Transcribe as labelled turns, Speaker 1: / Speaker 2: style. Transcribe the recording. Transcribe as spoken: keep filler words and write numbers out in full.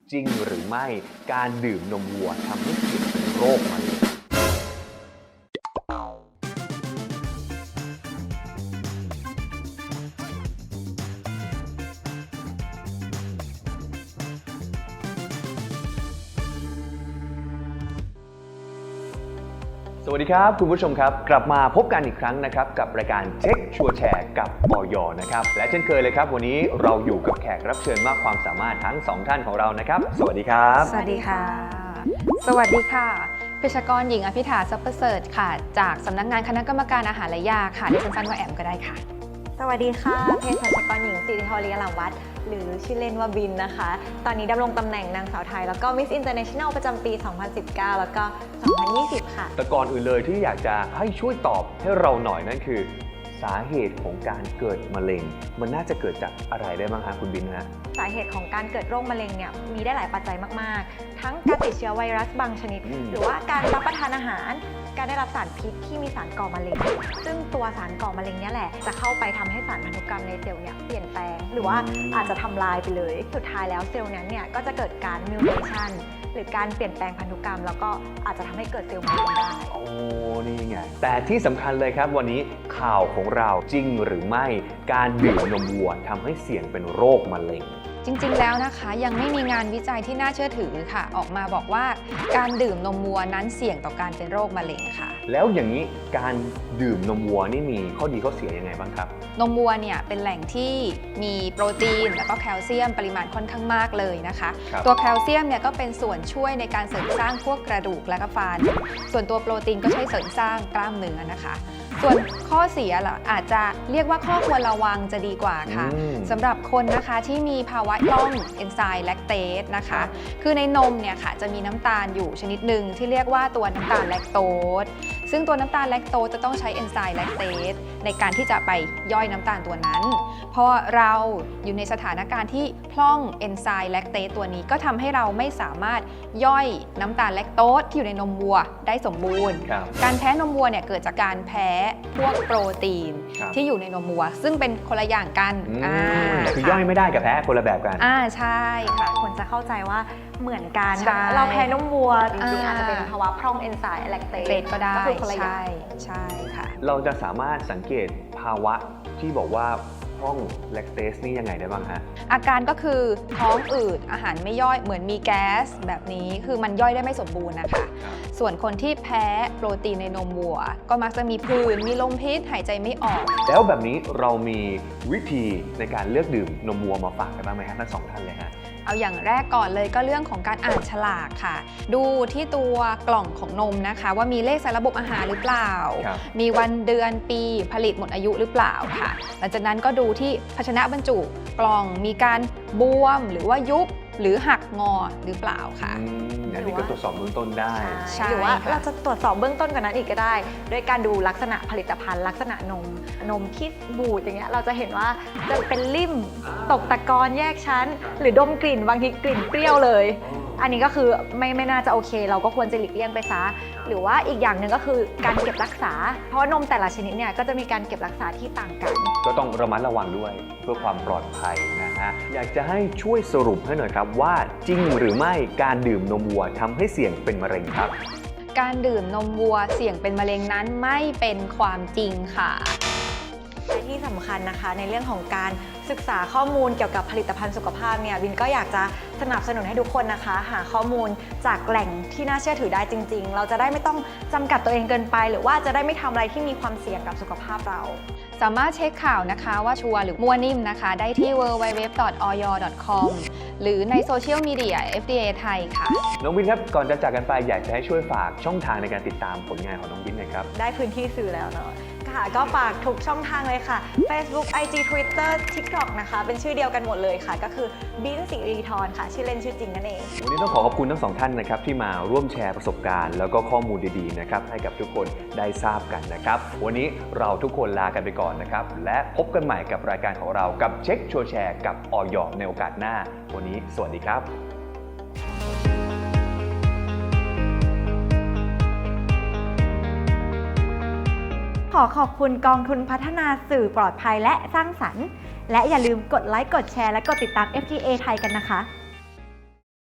Speaker 1: จริงหรือไม่การดื่มนมวัวทำให้เสี่ยงเป็นโรคมะเร็งสวัสดีครับคุณผู้ชมครับกลับมาพบกันอีกครั้งนะครับกับรายการเช็คชัวร์แชร์กับอย.นะครับและเช่นเคยเลยครับวันนี้เราอยู่กับแขกรับเชิญมากความสามารถทั้งสองท่านของเรานะครับสวัสดีครับ
Speaker 2: สวัสดีค่ะสวัสดีค่ะเภสัชกรหญิงอภิธาทรัพย์ประเสริฐค่ะจากสำนักงานคณะกรรมการอาหารและยาค่ะดิฉันสั้นว่าแอมก็ได้ค่ะ
Speaker 3: สวัสดีค่ะเภสัชกรหญิงสิริธร ลียลาวัฒน์หรือชื่อเล่นว่าบินนะคะตอนนี้ดำรงตำแหน่งนางสาวไทยแล้วก็ Miss International ประจำปี สองพันสิบเก้า แล้วก็ สองพันยี่สิบ ค่ะ
Speaker 1: แต่ก่อนอื่นเลยที่อยากจะให้ช่วยตอบให้เราหน่อยนั่นคือสาเหตุของการเกิดมะเร็งมันน่าจะเกิดจากอะไรได้บ้างคะคุณบินฮะ
Speaker 3: สาเหตุของการเกิดโรคมะเร็งเนี่ยมีได้หลายปัจจัยมากๆทั้งการติดเชื้อไวรัสบางชนิดหรือว่าการรับประทานอาหารการได้รับสารพิษที่มีสารก่อมะเร็งซึ่งตัวสารก่อมะเร็งเนี่ยแหละจะเข้าไปทำให้สารพันธุกรรมในเซลล์เนี่ยเปลี่ยนแปลงหรือว่าอาจจะทำลายไปเลยสุดท้ายแล้วเซลล์นั้นเนี่ยก็จะเกิดการมิวเทชันหรือการเปลี่ยนแปลงพันธุกรรมแล้วก็อาจจะทำให้เกิดเซลล์มะเร็งได้
Speaker 1: โอ้นี่ไงแต่ที่สำคัญเลยครับวันนี้ข่าวของเราจริงหรือไม่การดื่มนมวัวทำให้เสี่ยงเป็นโรคมะเร็ง
Speaker 2: จริงๆแล้วนะคะยังไม่มีงานวิจัยที่น่าเชื่อถือค่ะออกมาบอกว่าการดื่มนมวัวนั้นเสี่ยงต่อการเป็นโรคมะเร็งค่ะ
Speaker 1: แล้วอย่างนี้การดื่มนมวัวนี่มีข้อดีข้อเสียยังไงบ้างครับ
Speaker 2: นมวัวเนี่ยเป็นแหล่งที่มีโปรตีนและก็แคลเซียมปริมาณค่อนข้างมากเลยนะคะตัวแคลเซียมเนี่ยก็เป็นส่วนช่วยในการเสริมสร้างพวกกระดูกและก็ฟันส่วนตัวโปรตีนก็ช่วยเสริมสร้างกล้ามเนื้อนะคะส่วนข้อเสียล่ะอาจจะเรียกว่าข้อควรระวังจะดีกว่าค่ะสำหรับคนนะคะที่มีภาวะล่องเอนไซม์แลคเตสนะคะคือในนมเนี่ยค่ะจะมีน้ำตาลอยู่ชนิดหนึ่งที่เรียกว่าตัวน้ำตาลแลคโตสซึ่งตัวน้ำตาลแลคโตสจะต้องใช้เอนไซม์แลคเตสในการที่จะไปย่อยน้ำตาลตัวนั้นพอเราอยู่ในสถานการณ์ที่พร่องเอนไซม์แลคเตสตัวนี้ก็ทำให้เราไม่สามารถย่อยน้ำตาลแลคโตสที่อยู่ในนมวัวได้สมบูรณ์การแพ้นมวัวเนี่ยเกิดจากการแพ้พวกโปรตีนที่อยู่ในนมวัวซึ่งเป็นคนละอย่างกัน
Speaker 1: คือย่อยไม่ได้กับแพ้คนละแบบกัน
Speaker 2: อ่าใช่ค่ะ
Speaker 3: คนจะเข้าใจว่าเหมือนกันเราแพ้นมวัวจริงๆอาจจะเป็นภาวะพร่องเอนไซม์แลคเตส
Speaker 2: ก็ได้
Speaker 3: ก็คือคนละอย่าง
Speaker 2: ใช่ใช่ค่ะ
Speaker 1: เราจะสามารถสังเกตภาวะที่บอกว่าพร่องแลคเตสนี่ยังไงได้บ้างฮะ
Speaker 2: อาการก็คือท้องอืดอาหารไม่ย่อยเหมือนมีแก๊สแบบนี้คือมันย่อยได้ไม่สมบูรณ์นะคะส่วนคนที่แพ้โปรตีนในนมวัวก็มักจะมีผื่นมีลมพิษหายใจไม่ออก
Speaker 1: แล้วแบบนี้เรามีวิธีในการเลือกดื่มนมวัวมาฝากกันบ้างไหมฮะทั้งสองท่านเลยฮะ
Speaker 2: เอาอย่างแรกก่อนเลยก็เรื่องของการอ่านฉลากค่ะดูที่ตัวกล่องของนมนะคะว่ามีเลขสารระบบอาหารหรือเปล่ามีวันเดือนปีผลิตหมดอายุหรือเปล่าค่ะหลังจากนั้นก็ดูที่ภาชนะบรรจุกล่องมีการบวมหรือว่ายุบหรือหักงอหรือเปล่าค่ะ
Speaker 1: อันนี้ก็ตรวจสอบเบื้องต้นได้
Speaker 3: หรือว่าเราจะตรวจสอบเบื้องต้นกว่านั้นอีกก็ได้ด้วยการดูลักษณะผลิตภัณฑ์ลักษณะนมนมที่บูดอย่างเงี้ยเราจะเห็นว่าจะเป็นริ่มตกตะกอนแยกชั้นหรือดมกลิ่นบางทีกลิ่นเปรี้ยวเลยอันนี้ก็คือไม่ไม่น่าจะโอเคเราก็ควรจะหลีกเลี่ยงไปซะหรือว่าอีกอย่างหนึ่งก็คือการเก็บรักษาเพราะนมแต่ละชนิดเนี่ยก็จะมีการเก็บรักษาที่ต่างกัน
Speaker 1: ก็ต้องระมัดระวังด้วยเพื่อความปลอดภัยนะฮะอยากจะให้ช่วยสรุปให้หน่อยครับว่าจริงหรือไม่การดื่มนมวัวทำให้เสี่ยงเป็นมะเร็งครับ
Speaker 2: การดื่มนมวัวเสี่ยงเป็นมะเร็งนั้นไม่เป็นความจริงค่ะ
Speaker 3: และที่สำคัญนะคะในเรื่องของการศึกษาข้อมูลเกี่ยวกับผลิตภัณฑ์สุขภาพเนี่ยบินก็อยากจะสนับสนุนให้ทุกคนนะคะหาข้อมูลจากแหล่งที่น่าเชื่อถือได้จริงๆเราจะได้ไม่ต้องจำกัดตัวเองเกินไปหรือว่าจะได้ไม่ทำอะไรที่มีความเสี่ยงกับสุขภาพเรา
Speaker 2: สามารถเช็คข่าวนะคะว่าชัวร์หรือมั่วนิ่มนะคะได้ที่ ดับเบิลยู ดับเบิลยู ดับเบิลยู ดอท ออย ดอท คอม หรือในโซเชียลมีเดีย เอฟ ดี เอ ไทยค่ะ
Speaker 1: น้องบินครับก่อนจะจากกันไปอยากจะให้ช่วยฝากช่องทางในการติดตามผลงานของน้องบินหน่อยครับ
Speaker 3: ได้พื้นที่สื่อแล้วเนาะค่ะก็ฝากทุกช่องทางเลยค่ะ Facebook ไอ จี Twitter TikTok นะคะเป็นชื่อเดียวกันหมดเลยค่ะก็คือบินสิริธรค่ะชื่อเล่นชื่อจริงนั่นเอง
Speaker 1: วันนี้ต้องขอขอบคุณทั้งสองท่านนะครับที่มาร่วมแชร์ประสบการณ์แล้วก็ข้อมูลดีๆนะครับให้กับทุกคนได้ทราบกันนะครับวันนี้เราทุกคนลากันไปก่อนนะครับและพบกันใหม่กับรายการของเรากับเช็คชัวร์แชร์กับอย.ในโอกาสหน้าวันนี้สวัสดีครับ
Speaker 3: ขอขอบคุณกองทุนพัฒนาสื่อปลอดภัยและสร้างสรรค์และอย่าลืมกดไลค์กดแชร์และกดติดตาม เอฟ ดี เอ ไทยกันนะคะ